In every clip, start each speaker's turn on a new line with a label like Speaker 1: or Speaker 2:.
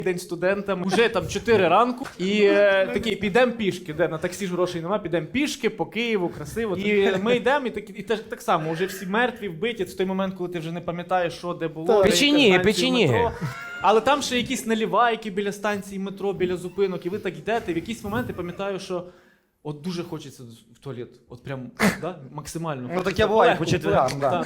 Speaker 1: день студента, вже там 4 ранку, і такий, підемо пішки, де на таксі ж грошей нема, підемо пішки по Києву, красиво. І ми йдемо, і так само, вже всі мертві, вбиті, це той момент, коли ти вже не пам'ятаєш, що де було.
Speaker 2: Печеніги.
Speaker 1: Але там ще якісь наливайки біля станції метро, біля зупинок, і ви так йдете, в якийсь момент я пам'ятаю, що от дуже хочеться в туалет, от прям, да, максимально.
Speaker 3: Ну таке буває по четвергам, да.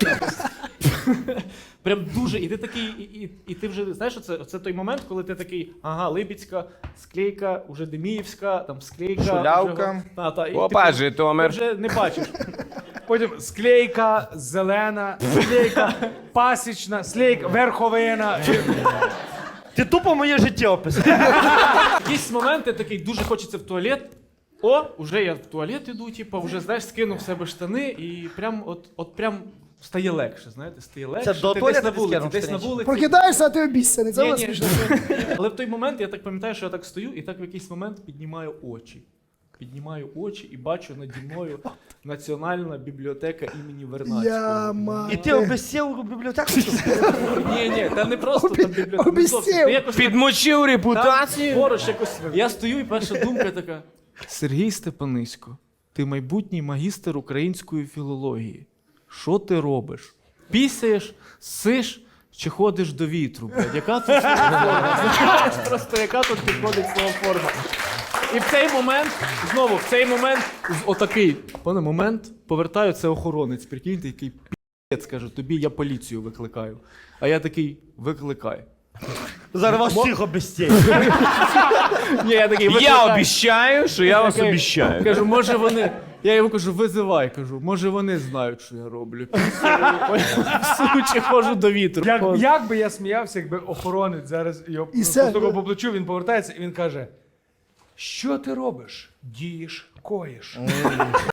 Speaker 1: Прям дуже, і ти такий, і ти вже, знаєш, оце той момент, коли ти такий, ага, Либідська, склейка, уже Деміївська, там склейка.
Speaker 3: Шулявка.
Speaker 2: Опа,
Speaker 1: ти
Speaker 2: Житомир.
Speaker 1: вже не бачиш.
Speaker 4: Потім склейка, зелена, склейка, пасічна, склейка, верховина.
Speaker 3: Ти тупо моє життя описав.
Speaker 1: Якісь моменти такий, дуже хочеться в туалет. О, уже я в туалет іду, типу, вже, знаєш, скинув в себе штани і прям, от прям стає легше, знаєте, стає легше.
Speaker 3: Це до
Speaker 1: ти
Speaker 3: туалету
Speaker 1: десь на вулиці,
Speaker 3: скинув
Speaker 1: десь на
Speaker 3: штанички?
Speaker 1: вулиці.
Speaker 5: Прокидаєшся, а ти обіцяний. Це
Speaker 1: Ні,
Speaker 5: вас
Speaker 1: ні,
Speaker 5: смішно.
Speaker 1: але в той момент я так пам'ятаю, що я так стою і так в якийсь момент піднімаю очі. Піднімаю очі і бачу наді мною Національна бібліотека імені Вернадського.
Speaker 3: І ти обесів у бібліотеку?
Speaker 1: Ні, там не просто там бібліотека. не зовсім.
Speaker 5: Обіцяв.
Speaker 1: Ти якось так-
Speaker 2: Підмочив
Speaker 1: там
Speaker 2: репутацію.
Speaker 1: поруч якось. Я стою і перша думка така. Сергій Степанисько, ти майбутній магістр української філології. Що ти робиш? Пісяєш, сиш чи ходиш до вітру? Блядь? Яка тут форма? Знаєш, просто яка тут підходить слова форма? І в цей момент, отакий, пане, момент, повертаю, це охоронець, прикиньте, який пі***ць, каже, тобі я поліцію викликаю. А я такий, викликай.
Speaker 3: Зараз вас всіх обестять.
Speaker 1: Ні, я такий,
Speaker 2: Я
Speaker 1: викликай.
Speaker 2: обіцяю, що я вас
Speaker 1: Такий,
Speaker 2: обіцяю.
Speaker 1: Кажу, може вони, я йому кажу, визивай, кажу, може вони знають, що я роблю. Пісую, чи ходжу до вітру.
Speaker 4: Як би я сміявся, якби охоронець зараз його
Speaker 5: І все.
Speaker 4: постукав по плечу, він повертається і він каже: що ти робиш? Дієш, коїш.